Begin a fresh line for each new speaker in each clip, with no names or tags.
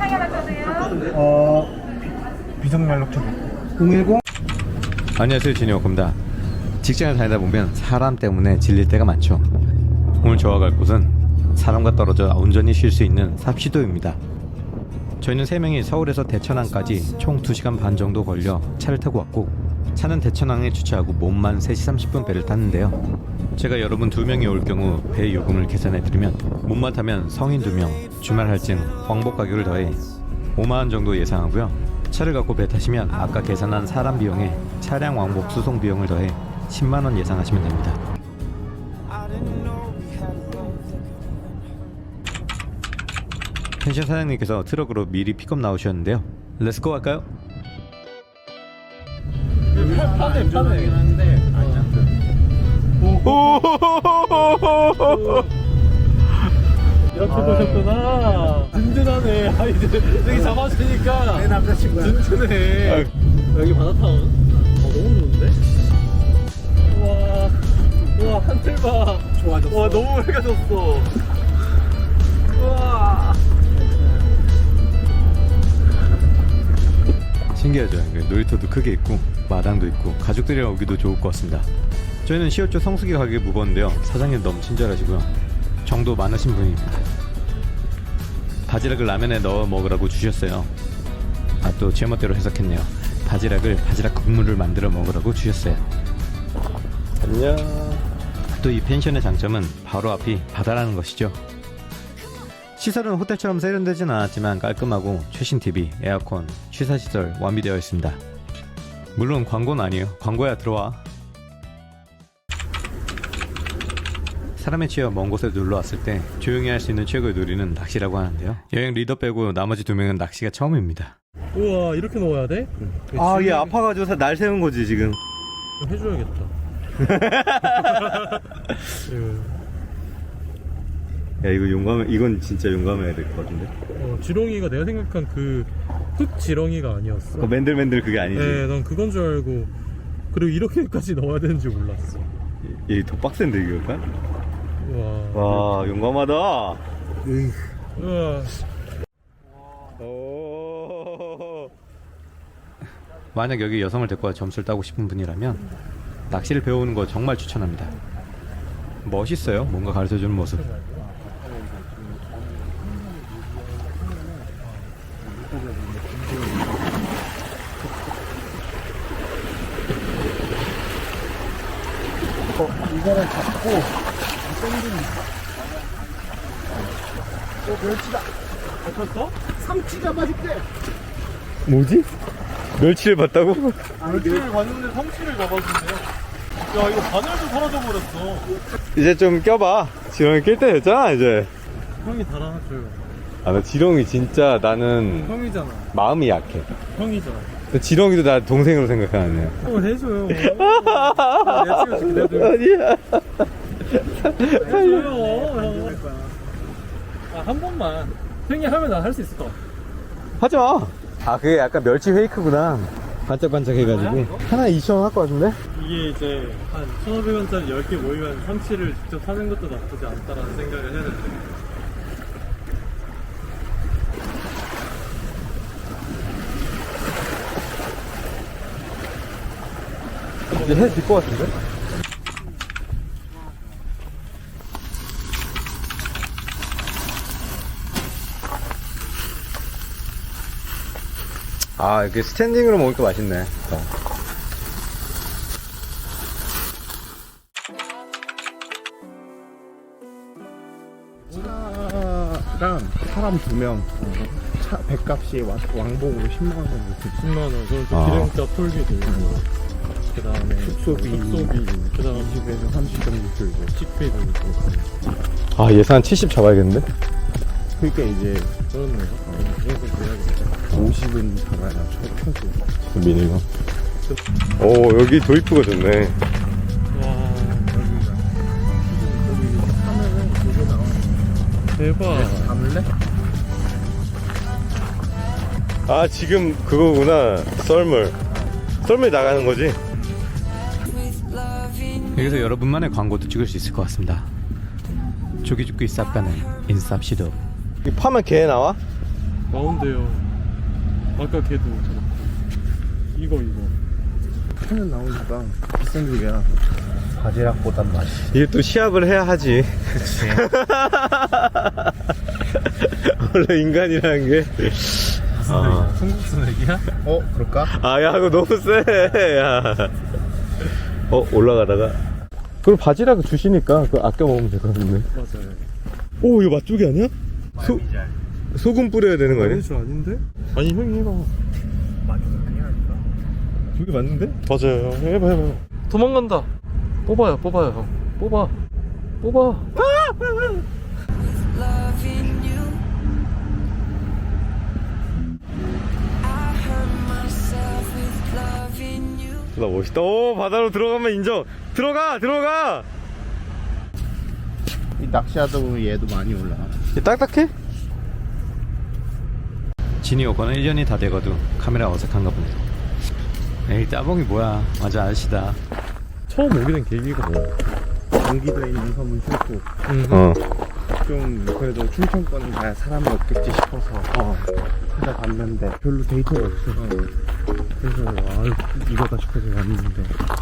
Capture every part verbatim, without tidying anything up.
어, 비상연락처 공일공.
안녕하세요, 진이오입니다. 직장을 다니다 보면 사람 때문에 질릴 때가 많죠. 오늘 저와 갈 곳은 사람과 떨어져 온전히 쉴 수 있는 삽시도입니다. 저희는 세 명이 서울에서 대천항까지 총 두 시간 반 정도 걸려 차를 타고 왔고, 차는 대천항에 주차하고 몸만 세 시 삼십 분 배를 탔는데요. 제가 여러분 두 명이 올 경우 배 요금을 계산해드리면 몸만 타면 성인 두 명, 주말 할증, 왕복 가격을 더해 오만 원 정도 예상하고요. 차를 갖고 배 타시면 아까 계산한 사람 비용에 차량 왕복 수송 비용을 더해 십만 원 예상하시면 됩니다. 펜션 사장님께서 트럭으로 미리 픽업 나오셨는데요. 렛츠고 할까요?
판에 판에 하는데 이렇게 보셨구나. 든든하네. 아, 이제 여기 잡았으니까 내 남자친구야. 든든해. 여기 바다타운. 어, 너무 좋은데? 우와, 우와, 한틀 봐. 좋아졌어. 와, 너무 밝아졌어. 우와.
신기하죠. 놀이터도 크게 있고 마당도 있고 가족들이랑 오기도 좋을 것 같습니다. 저희는 시어초 성수기 가게 묵었는데요. 사장님 너무 친절하시고요. 정도 많으신 분입니다. 바지락을 라면에 넣어 먹으라고 주셨어요. 아, 또 제멋대로 해석했네요. 바지락을 바지락 국물을 만들어 먹으라고 주셨어요. 안녕. 또 이 펜션의 장점은 바로 앞이 바다라는 것이죠. 시설은 호텔처럼 세련되진 않았지만 깔끔하고 최신 티비, 에어컨, 취사시설 완비되어 있습니다. 물론 광고는 아니에요. 광고야 들어와. 사람에 치여 먼 곳에 놀러왔을 때 조용히 할 수 있는 최고의 놀이는 낚시라고 하는데요. 여행 리더 빼고 나머지 두 명은 낚시가 처음입니다.
우와, 이렇게 넣어야 돼?
아, 얘 아파가지고 날 세운 거지 지금.
해줘야겠다.
야, 이거 용감해. 이건 진짜 용감해야 될 것 같은데.
어, 지렁이가 내가 생각한 그 흙 지렁이가 아니었어.
그 맨들맨들 그게 아니지.
네, 난 그건 줄 알고. 그리고 이렇게까지 넣어야 되는 줄 몰랐어.
얘 더 빡센데 이거?
우와.
와, 용감하다.
우와.
오. 만약 여기 여성을 데리고 와 점수를 따고 싶은 분이라면 낚시를 배우는 거 정말 추천합니다. 멋있어요. 뭔가 가르쳐주는 모습.
어, 이거를 잡고 땡기는. 어, 멸치다. 잡혔어? 삼치 잡아줄게.
뭐지? 멸치를 봤다고?
멸치를 봤는데 삼치를 잡아준대요. 야, 이거 바늘도 사라져 버렸어.
이제 좀 껴봐. 지렁이 낄 때 됐잖아 이제.
형이 달아줘요.
아, 나 지렁이 진짜 나는
형이잖아.
마음이 약해.
형이잖아.
지렁이도 나 동생으로 생각하네.
어, 해줘요. 내가 찍어줄게.
아니야.
해줘요. 형. 아, 한 번만. 형이 하면 난 할 수 있을 것 같아.
하지 마. 아, 그게 약간 멸치 페이크구나. 반짝반짝 해가지고. 하나 이천 원 할 것 같은데?
이게 이제 한 천오백 원짜리 열 개 모이면 삼치를 직접 사는 것도 나쁘지 않다라는 생각을 해야 되는데.
이제 해 질 것 같은데? 아, 이렇게 스탠딩으로 먹으니까 맛있네.
차랑 사람 두 명, 차 배값이 왕- 왕복으로 십만 원 정도 들죠.
십만 원. 그럼 또
아.
기름값 톨비 들고, 그 다음에
숙소비,
숙소비, 그 다음에
이십에서 삼십 정도 들고.
식비 들고.
아, 예산 칠십 잡아야겠는데?
그러니까 이제
그렇네요. 그래서 그래야겠다.
오십은 잡아야 쳐- 쳐줘.
미니멈. 오, 여기 도입부가 좋네.
와,
거기 하면은 그거 나와.
대박.
담을래?
아, 지금 그거구나. 썰물. 썰물 나가는 거지? 여기서 여러분만의 광고도 찍을 수 있을 것 같습니다. 조기죽기 쌉가는 인쌉시도. 이 파면 개 나와?
나온대요. 아까 걔도 저렇고. 이거 이거.
차는 나오니까 비싼 집이야. 바지락보단 맛있어.
이게 또 시합을 해야 하지.
그치.
원래 인간이라는 게. 아,
콩국수 내기야?
어 그럴까?
아, 야, 이거 너무 세. 야. 어, 올라가다가. 그걸 바지락 주시니까 그거 아껴 먹으면 될 것 같은데.
맞아요.
오, 이거 맛조개 아니야? 소, 소금 뿌려야 되는 거 아니야?
아니지 아닌데? 아니 형이 해봐.
맛있어 아니라니까.
저게 맞는데?
맞아요. 해봐 해봐. 도망간다. 뽑아요 뽑아요 형. 뽑아. 뽑아.
Loving you. I hurt myself with loving you.
나 멋있다. 오, 바다로 들어가면 인정. 들어가, 들어가.
이 낚시하다 보면 얘도 많이 올라와.
딱딱해? 진이 오거는 일 년이 다 되거든 카메라 어색한가 보네. 에이, 따봉이 뭐야. 맞아, 아저씨다.
처음 오게 된 계기가 뭐?
경기도에 있는 섬은 싫고
어.
좀 그래도 춘천권은 가야 사람이 없겠지 싶어서 어, 찾아봤는데 별로 데이터가 없어서 그래서 아 이거다 싶어서 왔는데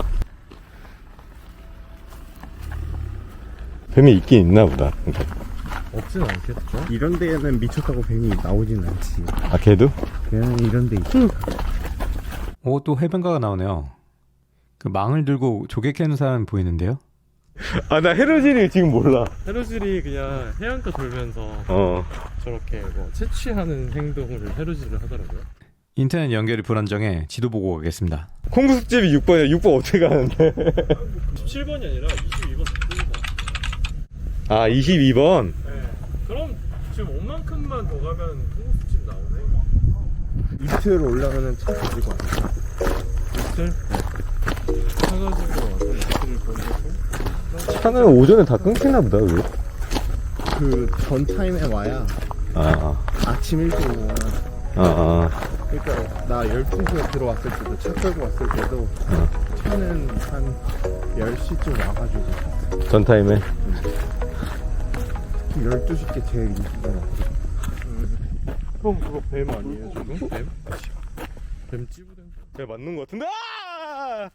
뱀이 있긴 있나 보다.
없진 않겠죠?
이런 데에는 미쳤다고 뱀이 나오진 않지.
아, 걔도?
걔는 이런 데 있지.
오, 또 해변가가 나오네요. 그 망을 들고 조개 캐는 사람이 보이는데요? 아, 나 헤르질이 지금 몰라.
헤루질이 그냥 해안가 돌면서
어.
저렇게 뭐 채취하는 행동을 헤루질을 하더라고요.
인터넷 연결이 불안정해 지도 보고 가겠습니다. 콩국수집이 육 번이야. 육 번 어떻게 가는데?
십칠 번이 아니라 이십이 번 번.
아, 이십이 번?
네. 그럼 지금 옷만큼만 더 가면 콩국수집 나오네.
이틀 올라가는 차 가지고 왔어.
이틀? 사가지고 와서 이틀을 보내고
차는 오전에 다 끊기나 보다, 왜?
그 전 타임에 와야
아,
아침 일찍 오거나.
아, 아.
그러니까 나 열두 시에 들어왔을 때도 차 끌고 왔을 때도
어.
차는 한 열 시쯤 와가지고
전 타임에?
열두 시께 제일 인기가 많거든.
형 그거 뱀 아니에요 지금? 뱀? 뱀 찌부된
야, 맞는 것 같은데? 아!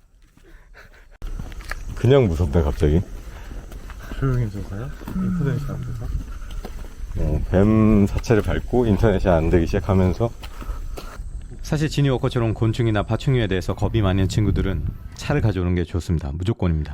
그냥 무섭네, 갑자기.
조용해져서요? 인터넷이 안 돼서?
어, 뱀 사체를 밟고 인터넷이 안 되기 시작하면서. 사실 지니 워커처럼 곤충이나 파충류에 대해서 겁이 많은 친구들은 차를 가져오는 게 좋습니다. 무조건입니다.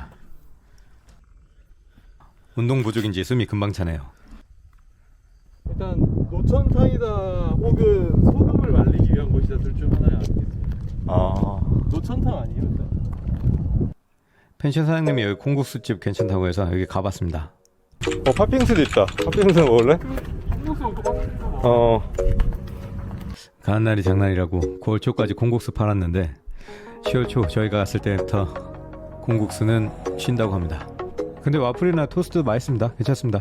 운동 부족인지 숨이 금방 차네요.
일단 노천탕이다 혹은 소금을 말리기 위한 곳이다 둘 중 하나야 아니겠지?
아.
노천탕 아니에요? 일단?
펜션 사장님이 여기 콩국수집 괜찮다고 해서 여기 가봤습니다. 어, 팥빙수도 있다. 팥빙수 먹을래?
콩국수 똑같은 거
어. 가는 날이 장날이라고 구월 초까지 콩국수 팔았는데 시월 초 저희가 갔을 때부터 콩국수는 쉰다고 합니다. 근데 와플이나 토스트 맛있습니다. 괜찮습니다.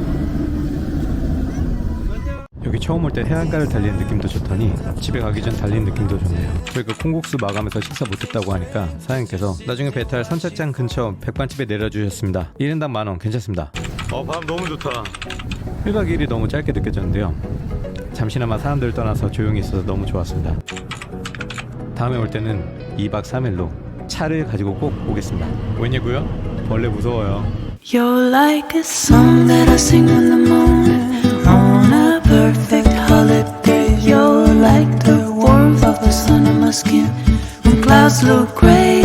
여기 처음 올 때 해안가를 달리는 느낌도 좋더니 집에 가기 전 달리는 느낌도 좋네요. 저희가 콩국수 마감해서 식사 못했다고 하니까 사장님께서 나중에 배탈 선착장 근처 백반집에 내려주셨습니다. 일 인당 만원 괜찮습니다. 어, 밤 너무 좋다. 일 박 이 일이 너무 짧게 느껴졌는데요. 잠시나마 사람들 떠나서 조용히 있어서 너무 좋았습니다. 다음에 올 때는 이 박 삼 일로 차를 가지고 꼭 오겠습니다. 왜냐고요? 벌레 무서워요.
You're like a song that I sing on the moon on a perfect holiday. You're like the warmth of the sun on my skin when clouds look gray.